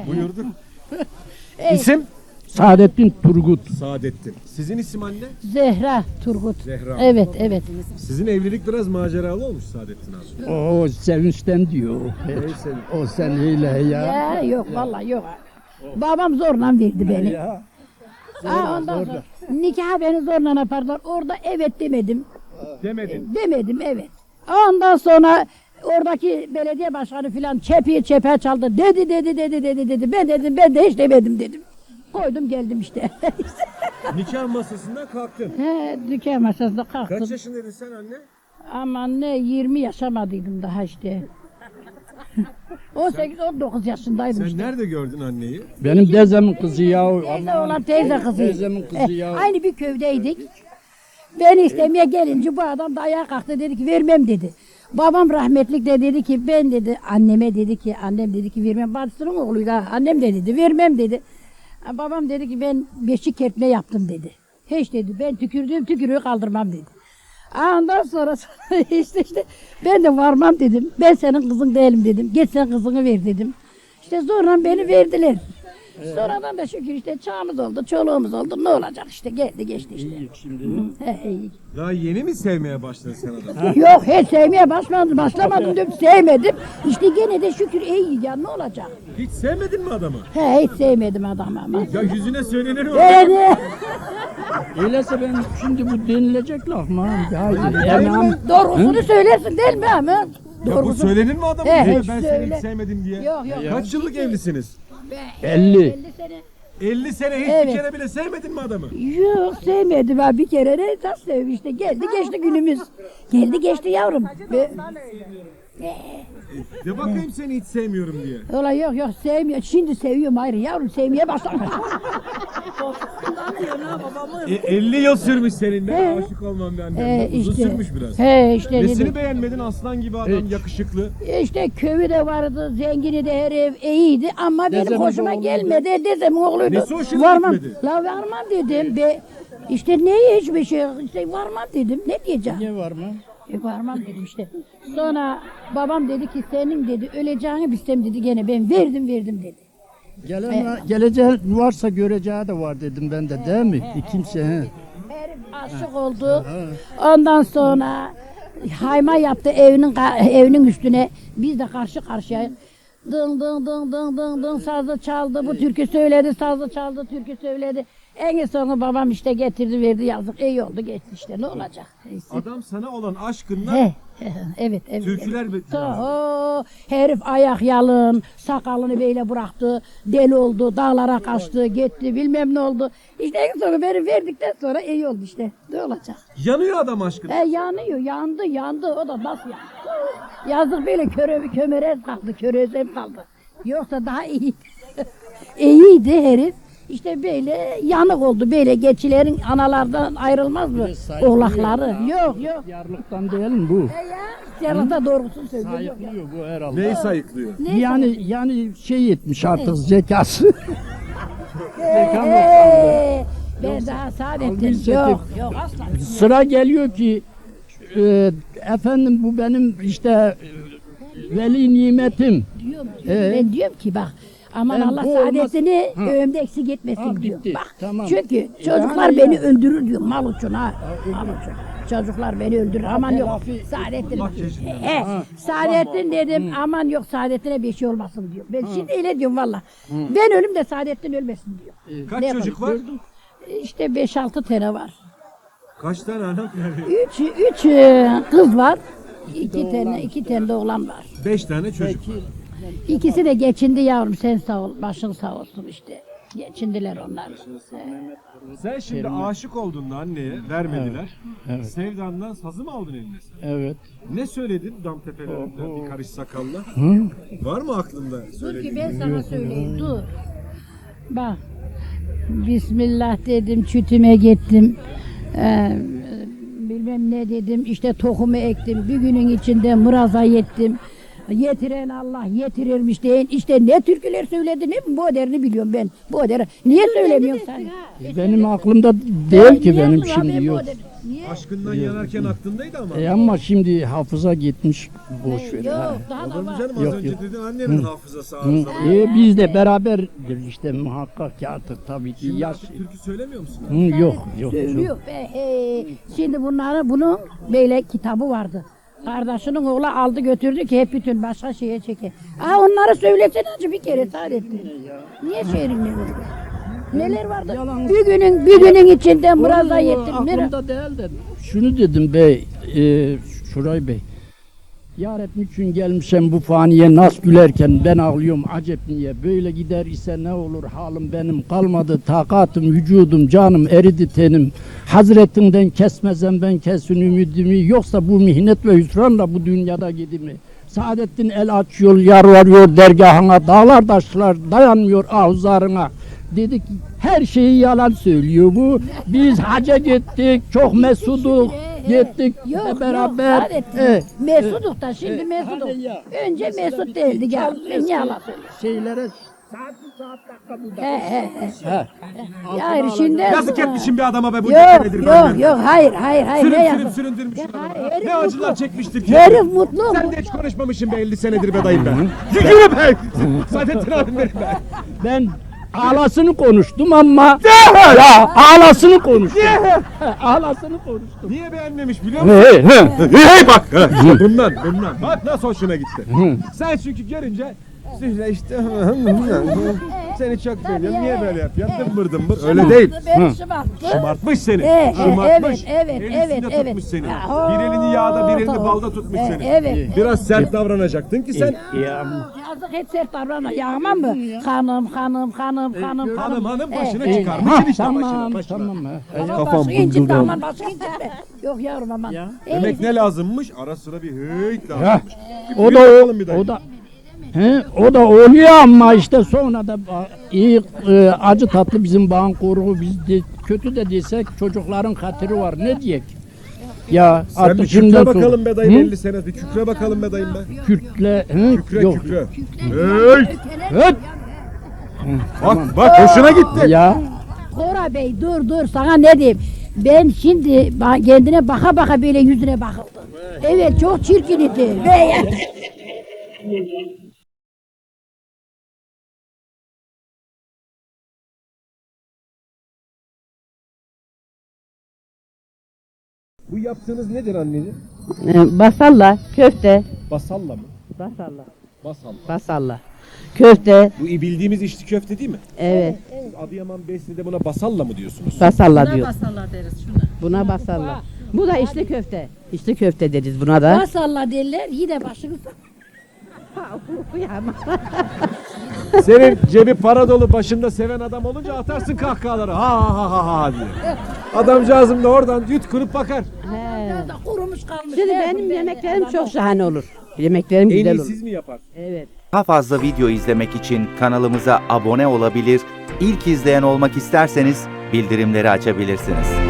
Buyurduk. İsim? Saadettin Turgut. Saadettin. Sizin isim anne? Zehra Turgut. Zehra. Evet, evet. Sizin evlilik biraz maceralı olmuş Saadettin abi. O sevinçten diyor. Neyse. O seneyle ya. Ya yok vallahi yok. Babam zorla verdi beni. Ya. Ondan sonra nikah beni zorla yaparlar. Orada evet demedim. Demedin. Demedim evet. Ondan sonra oradaki belediye başkanı filan çepe çaldı. Dedi. Ben de hiç demedim dedim. Koydum geldim işte. Nikah masasından kalktın. He, dükkan masasında kalktım. Kaç yaşındaydın sen anne? Aman ne 20 yaşamadıydım daha işte. 18-19 yaşındaydım Sen işte. nerede gördün anneyi? Benim dezemin kızı ya. Teyze olan teyze kızı. Teyzemin kızı ya. Aynı bir köydeydik. Beni istemeye gelince bu adam da ayağa kalktı dedi ki vermem dedi. Babam rahmetlik de dedi ki ben dedi anneme dedi ki annem dedi ki vermem. Bacısının oğluydu ha. Annem de dedi vermem dedi. Babam dedi ki ben beşik kertme yaptım dedi. Hiç dedi ben tükürdüğüm tükürüğü kaldırmam dedi. Ondan sonra işte ben de varmam dedim. Ben senin kızın değilim dedim. Geç sen kızını ver dedim. İşte sonra beni verdiler. Sonradan da şükür işte çağımız oldu, çoluğumuz oldu. Ne olacak işte geldi geçti işte. İyi şimdi. İyi. Daha yeni mi sevmeye başladın sen adamı? Yok hiç sevmeye başlamadım diyorum sevmedim. İşte gene de şükür iyi ya ne olacak? Hiç sevmedin mi adamı? Hiç sevmedim adamı ama. Ya yüzüne söylenir o. Yani Öyleyse ben şimdi bu denilecek laf mı? Ya, doğrusunu söylersin değil mi ama? Ya bu Doğrusunu. söylenir mi adamı? He, Ben hiç seni söyle. hiç sevmedim diye. Yok. Kaç yıllık evlisiniz? 50. 50 sene. 50 sene hiç Evet. bir kere bile sevmedin mi adamı? Yok sevmedim ben bir kere de nasıl sevmiş işte geldi geçti günümüz. Geldi geçti yavrum. De bakayım seni hiç sevmiyorum diye. Ola yok sevmiyor. Şimdi seviyorum ayrı yavrum sevmeye başladım. 50 yıl sürmüş seninle He. aşık olmam benden. Uzun sürmüş biraz. He işte Nesini dedi. beğenmedin aslan gibi adam yakışıklı. İşte köyü de vardı, zengini de her ev iyiydi ama benim Dezemin hoşuma oğluydu. gelmedi. Dezemin oğluydu. Nesi hoşuna Varmam. gitmedi? La varmam dedim. İşte ne hiçbir şey işte varmam dedim. Ne diyeceğim? Niye var mı? Varmam dedim işte. Sonra babam dedi ki senin dedi öleceğini bilsem dedi gene ben verdim dedi. Geleceği varsa göreceği de var dedim ben de değil mi? Kimse. He. Herif aşık oldu. Ondan sonra hayma yaptı evinin üstüne. Biz de karşı karşıya dım sazı çaldı. Bu türkü söyledi, sazı çaldı, türkü söyledi. En sonu babam işte getirdi verdi yazık. İyi oldu geçti işte ne olacak? Neyse. Adam sana olan aşkından Evet. türküler Herif ayak yalın, sakalını böyle bıraktı, deli oldu, dağlara kaçtı, gitti, bilmem ne oldu. İşte en sonu beni verdikten sonra iyi oldu işte. Ne olacak? yanıyor adam aşkına. Yanıyor, yandı. O da nasıl yandı? Yazık böyle kömürez kaldı, körözem kaldı. Yoksa daha iyiydi. İyiydi herif. İşte böyle yanık oldu. Böyle geçilerin analardan ayrılmaz mı? Oğlakları. Yok. Yarlıktan değil mi bu? Yarıda doğrusunu söylüyor. Sayıklıyor bu herhalde. Neyi sayıklıyor? Yani şey etmiş artık zekası. Ben daha Saadettin. Algı Yok asla. Sıra geliyor ki efendim bu benim işte veli nimetim. Ben diyorum ki bak aman Ben Allah bu saadetini olmaz- ömrümde eksik etmesin diyor. bitti. Bak Tamam. çünkü çocuklar Yani beni ya. öldürür diyor mal için ha. Mal için. Çocuklar beni öldürür aman yok. telafi- Saadettin. Saadettin dedim aman yok Saadettin'e bir şey olmasın diyor. Ben şimdi öyle diyorum valla. Ben ölüm de Saadettin ölmesin diyor. Kaç Ne çocuk var? yapalım? İşte 5-6 tane var. Kaç tane anam yani? Üç kız var. İki tane de oğlan var. 5 tane çocuk var. İkisi de geçindi yavrum sen sağ ol başın sağ olsun işte. Geçindiler onlar. Sen şimdi aşık oldun da anneye vermediler. Sevdandan sazı mı aldın eline sen? Evet. Ne söyledin dam tepelerinde bir karış sakalla? Var mı aklında Dur ki söylediğin? ben sana söyleyeyim dur. Bak. Bismillah dedim çütüme gittim. Bilmem ne dedim işte tohumu ektim. Bir günün içinde mıraza yettim. Yetiren Allah yetirirmiş deyin. İşte ne türküler söyledi ne bu derini biliyorum ben. Bu deri. Niye söylemiyorsun sen? Benim aklımda değil ki benim şimdi yok. Aşkından yanarken aklındaydı ama. Ama şimdi hafıza gitmiş. Boş ver. ha. Yok daha Olur da mu var. canım? Az Yok, önce yok. dedin annemin hafızası Hı, arızalı. biz de beraber işte muhakkak ki artık tabii ki Şimdi yaş. artık türkü söylemiyor musun? Hı, yok. Söylüyor. Şimdi bunun böyle kitabı vardı. Kardeşinin oğlu aldı götürdü ki hep bütün başka şeye çeker. Onları söylesene acı bir kere Saadettin. Niye şehrin neler vardı? Bir günün içinde burada yettim. Aklımda değil de şunu dedim bey, Şuray Bey. Yarabbi için gelmişim bu faniye nas gülerken ben ağlıyorum acep niye böyle gider ise ne olur halim benim kalmadı takatım vücudum canım eridi tenim hazretinden kesmezem ben kesin ümidimi yoksa bu mihnet ve hüsranla bu dünyada gidimi Saadettin el açıyor yalvarıyor dergahına dağlar taşlar dayanmıyor ahuzarına dedi ki her şeyi yalan söylüyor bu biz hacca gittik çok mesuduk gittik Yok beraber. Saadettin. Mesuduk da şimdi Mesuduk. Önce Mesut değildi gel. Ben yalan Şeylere saat dakika bu da. Ya şimdi Yazık etmişim bir adama be bu Yok nedir yok hayır ne Sürüp yazık. süründürmüş Ya adamı. hayır, herif Ne acılar mutlu. çekmiştir ki. Herif mutlu. Sen de hiç konuşmamışsın be 50 senedir be dayım ben. Yürü be. Saadettin abim benim be. Ben ağlasını konuştum ama ya ağlasını konuştum. Ağlasını konuştum. Niye beğenmemiş biliyor musun? Hey bak. Bundan. Bak nasıl hoşuna gitti. Sen çünkü görünce Zühre işte seni çok beğeniyorum. Niye böyle yapıyorsun? Dımbır. Öyle değil. Beni şımarttı. Şımartmış seni. Evet, Şımartmış. evet, Elisinde evet. tutmuş seni. Ya, Bir elini yağda bir elini tamam. balda tutmuş seni. Evet. Biraz sert davranacaktın ki sen. Yazık hiç sert davranma. Yağmam mı? Hanım. Hanım başını Evet. çıkarmışsın işte Tamam başına. tamam. Kafam buldu. Aman başka incitme. Yok yavrum aman. Demek ne lazımmış? Ara sıra bir hıyt lazımmış. O da o da oluyor ama işte sonra da iyi acı tatlı bizim bağın koruğu biz de, kötü de desek çocukların hatırı var ne diyek? Ya Sen artık bir şimdiden kükre sonra- bakalım be dayım Hı? 50 sene. Bir kükre bakalım be dayım be. Kürtle yok. Kükre. Hıyt. Höt! Bak hoşuna gitti. Ya Kora Bey dur sana ne diyeyim. Ben şimdi kendine baka böyle yüzüne bakıldım. Evet çok çirkin idi. Bu yaptığınız nedir anneciğim? Basalla, köfte. Basalla mı? Basalla. Basalla. Basalla. Köfte. Bu bildiğimiz içli köfte değil mi? Evet. Siz Adıyaman Besni'de buna basalla mı diyorsunuz? Basalla diyor. Buna basalla. Bu da içli köfte. İçli köfte deriz buna da. Masalla derler yine başını Senin cebi para dolu başında seven adam olunca atarsın kahkahaları ha diye. Adamcağızım da oradan yutkunup bakar. da kurumuş kalmış. Şimdi benim yemeklerim çok şahane olur. Yemeklerim En güzel iyi olur. siz mi yapar? Evet. Daha fazla video izlemek için kanalımıza abone olabilir, ilk izleyen olmak isterseniz bildirimleri açabilirsiniz.